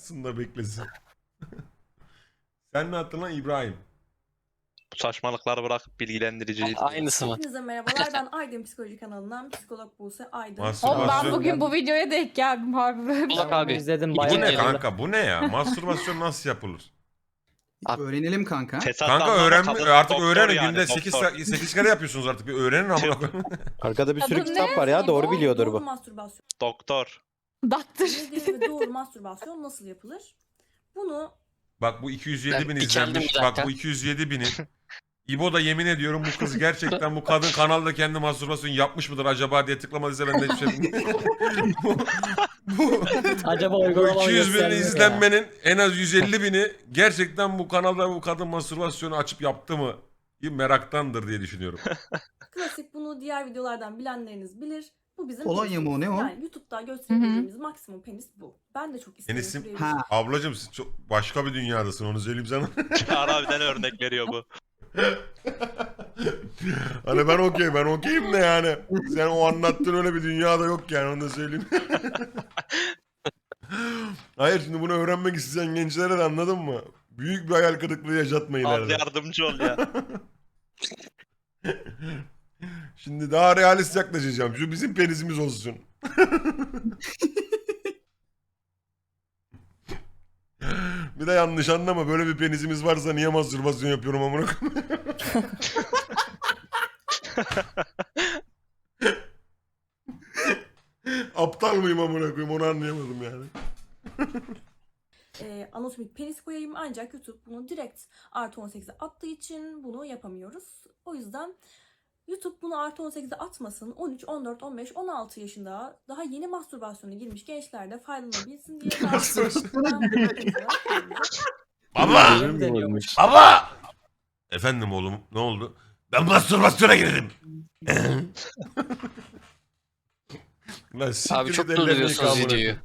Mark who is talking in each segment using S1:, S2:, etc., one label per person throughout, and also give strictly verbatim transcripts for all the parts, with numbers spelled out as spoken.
S1: Sında beklesin. Sen ne attın lan İbrahim?
S2: Bu saçmalıkları bırakıp bilgilendirici izleyin.
S3: Aynısı mı?
S4: Hepinize merhabalar. Ben Aydın Psikoloji kanalından psikolog Buse Aydın.
S1: Mastürbasyon.
S5: Oğlum ben
S1: Mastürbasyon.
S5: bugün bu videoya denk geldim harbi böyle.
S3: Burak abi.
S5: İzledim
S1: Bu
S5: bayağı.
S1: ne
S3: Geliyor.
S1: kanka? Bu ne ya? Mastürbasyon nasıl yapılır?
S3: Abi-
S6: Öğrenelim kanka.
S2: Fesattan
S1: Kanka
S2: sonra
S1: öğren
S2: kadın
S1: artık
S2: doktor
S1: öğrenin
S2: yani,
S1: günde sekiz
S2: doktor.
S1: sekiz kere yapıyorsunuz artık. Bir öğrenin ama.
S7: Arkada bir sürü
S5: Kadın
S7: kitap
S5: ne?
S7: var ya doğru biliyordur
S4: Doğru
S7: bu.
S4: mastürbasyon
S2: Doktor.
S5: Daktır.
S4: nedir ve doğru mastürbasyon nasıl yapılır? Bunu
S1: Bak bu iki yüz yedi bin
S3: Ben dikeldim
S1: izlenmiş.
S3: bir
S1: Bak
S3: dakika.
S1: bu iki yüz yedi binin. İbo da yemin ediyorum bu kız gerçekten bu kadın kanalda kendi mastürbasyon yapmış mıdır acaba diye tıklamadıysa ben de hiçbir şey bilmiyorum. bu, bu,
S5: Acaba
S1: bu
S5: uygulama
S1: iki yüz bin
S5: göstermiyor ya.
S1: izlenmenin en az yüz elli bini gerçekten bu kanalda bu kadın mastürbasyonu açıp yaptı mı? Meraktandır diye düşünüyorum.
S4: klasik, bunu diğer videolardan bilenleriniz bilir. Bu bizim
S6: Kolonya mı o, ne o?
S4: Yani YouTube'da gösterebileceğimiz maksimum penis bu. Ben de çok isterim.
S1: Penisim-
S4: şuraya bir-
S6: Ha.
S1: Ablacım siz çok başka bir dünyadasın onu söyleyeyim sana.
S2: Çağrı abiden örnek veriyor bu.
S1: Hani ben okey ben okeyim de yani. Sen o anlattığın öyle bir dünyada yok yani onu da söyleyeyim. Hayır şimdi bunu öğrenmek isteyen gençlere de anladın mı? Büyük bir hayal kırıklığı yaşatma
S2: Az
S1: ileride.
S2: yardımcı ol ya.
S1: Şimdi daha realist yaklaşacağım. Şu bizim penisimiz olsun. Bir de yanlış anlama. Böyle bir penisimiz varsa niye mastürbasyon yapıyorum amına koyayım? Aptal mıyım amına koyayım onu anlayamadım yani.
S4: e, anatomik penis koyayım, ancak YouTube bunu direkt artı on sekize attığı için bunu yapamıyoruz. O yüzden YouTube bunu artı on sekize atmasın, on üç, on dört, on beş, on altı yaşında daha yeni mastürbasyona girmiş gençler de faydalanabilsin diye.
S1: Baba!
S5: Benim deniyormuş.
S1: Baba! Efendim oğlum ne oldu? Ben mastürbasyona girdim. Lan siktir
S3: Abi
S1: git,
S3: çok
S1: ellerini
S3: durduruyorsunuz
S1: yıka amına
S3: videoyu.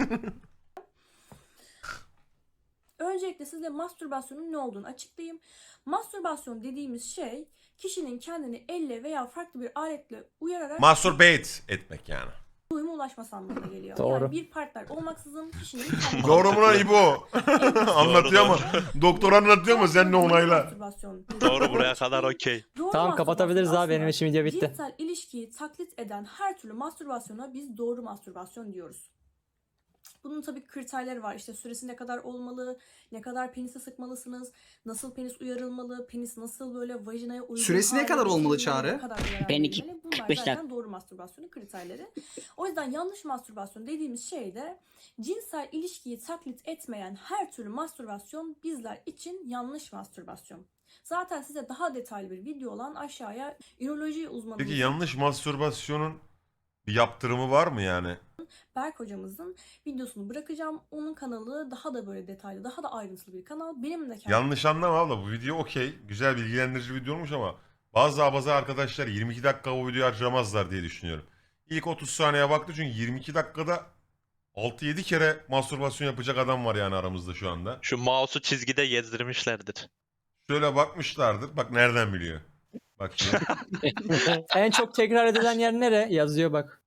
S4: Öncelikle size mastürbasyonun ne olduğunu açıklayayım. Mastürbasyon dediğimiz şey, kişinin kendini elle veya farklı bir aletle uyararak
S1: Masturbate etmek yani.
S4: doyuma ulaşması anlamına geliyor.
S5: Doğru.
S4: Yani bir partner olmaksızın kişinin kendini...
S1: Doğru mu lan İbo? Anlatıyor ama. Doktor anlatıyor ama sen de onayla.
S4: Mastürbasyon.
S2: Doğru, buraya kadar okey.
S4: Doğru
S5: Tamam, kapatabiliriz
S4: mastürbasyon
S5: abi, benim
S4: aslında
S5: için video bitti.
S4: Cinsel ilişkiyi taklit eden her türlü mastürbasyona biz doğru mastürbasyon diyoruz. Bunun tabii kriterleri var. İşte süresi ne kadar olmalı, ne kadar penise sıkmalısınız, nasıl penis uyarılmalı, penis nasıl böyle vajinaya uygun
S6: Süresi ne
S4: hale
S6: kadar olmalı
S4: getirilmeli,
S6: Çağrı?
S4: ne kadar zarar
S3: Ben iki-
S4: verilmeli. Bunlar
S3: kırk beş
S4: zaten
S3: dakika.
S4: doğru mastürbasyonun kriterleri. O yüzden yanlış mastürbasyon dediğimiz şey de cinsel ilişkiyi taklit etmeyen her türlü mastürbasyon bizler için yanlış mastürbasyon. Zaten size daha detaylı bir video olan aşağıya üroloji uzmanımız
S1: Peki yanlış mastürbasyonun bir yaptırımı var mı yani?
S4: Berk hocamızın videosunu bırakacağım. Onun kanalı daha da böyle detaylı, daha da ayrıntılı bir kanal. Benim de kendim
S1: Yanlış anlama abla bu video okey. Güzel bilgilendirici bir video olmuş ama bazı abaza arkadaşlar yirmi iki dakika o videoyu harcamazlar diye düşünüyorum. İlk otuz saniye baktı çünkü yirmi iki dakikada altı yedi kere mastürbasyon yapacak adam var yani aramızda şu anda.
S2: Şu mouse'u çizgide gezdirmişlerdir.
S1: Şöyle bakmışlardır. Bak nereden biliyor. Bak şimdi.
S5: En çok tekrar edilen yer nere? Yazıyor bak.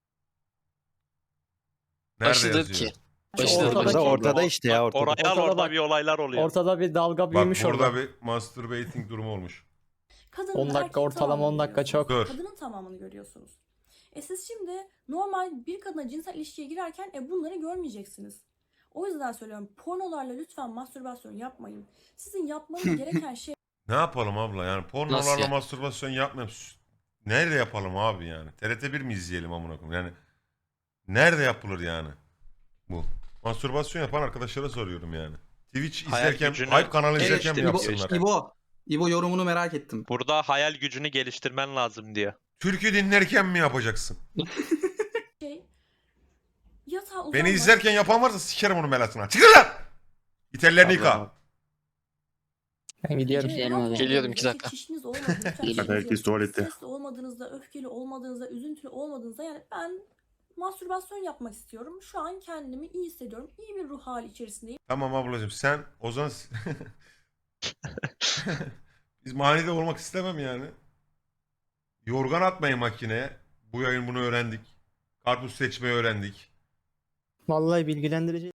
S1: Nerede
S3: Başladı
S1: yazıyor?
S3: ki.
S5: Şu
S3: Başladı.
S5: ortadaki-
S7: Ortada, ortada işte ya
S2: Bak,
S7: ortada.
S2: oraya al,
S5: Ortada
S2: orada
S5: bak.
S2: bir olaylar oluyor.
S5: Ortada bir dalga
S1: Bak
S5: büyümüş
S1: burada
S5: orada.
S1: bir masturbating durumu olmuş.
S4: kadının
S5: on dakika,
S4: erkeğin
S5: ortalama
S4: tamamını
S5: on dakika çok.
S4: görüyorsunuz.
S1: Dur.
S4: Kadının tamamını görüyorsunuz. E siz şimdi normal bir kadına cinsel ilişkiye girerken e bunları görmeyeceksiniz. O yüzden söylüyorum, pornolarla lütfen mastürbasyon yapmayın. Sizin yapmanız gereken şey
S1: Ne yapalım abla yani
S3: Nasıl
S1: pornolarla
S3: ya?
S1: mastürbasyon yapmayalım. Nerede yapalım abi yani? T R T bir mi izleyelim amına koyayım? Yani nerede yapılır yani bu? Mastürbasyon yapan arkadaşlara soruyorum yani. Twitch
S2: Hayal
S1: izlerken,
S2: gücünü
S1: Hype kanalı
S2: Evet,
S1: izlerken mi
S2: işte İbo-
S1: yapsınlar?
S6: İbo. İbo yorumunu merak ettim.
S2: Burada hayal gücünü geliştirmen lazım diyor.
S1: Türkü dinlerken mi yapacaksın?
S4: şey yatağa uzanmak.
S1: Beni izlerken yapan varsa sikerim onun belasına. Çıkın lan! İtellerini yıka.
S5: Ben gidiyorum.
S4: Ve
S3: Gidelim
S4: rahat
S3: abi. Geliyorum,
S4: olduğunuz,
S3: iki dakika.
S4: Çişiniz olmadığınızda,
S3: Geliyorum.
S4: çişiniz
S7: Herkes
S4: yapıp
S7: tuvalette.
S4: stresli olmadığınızda, öfkeli olmadığınızda, üzüntülü olmadığınızda, yani ben mastürbasyon yapmak istiyorum. Şu an kendimi iyi hissediyorum. İyi bir ruh hali içerisindeyim.
S1: Tamam ablacığım sen o zaman... Biz manide olmak istemem yani. Yorgan atmayın makineye. Bu yayın bunu öğrendik. Karpuz seçmeyi öğrendik.
S5: Vallahi bilgilendirici.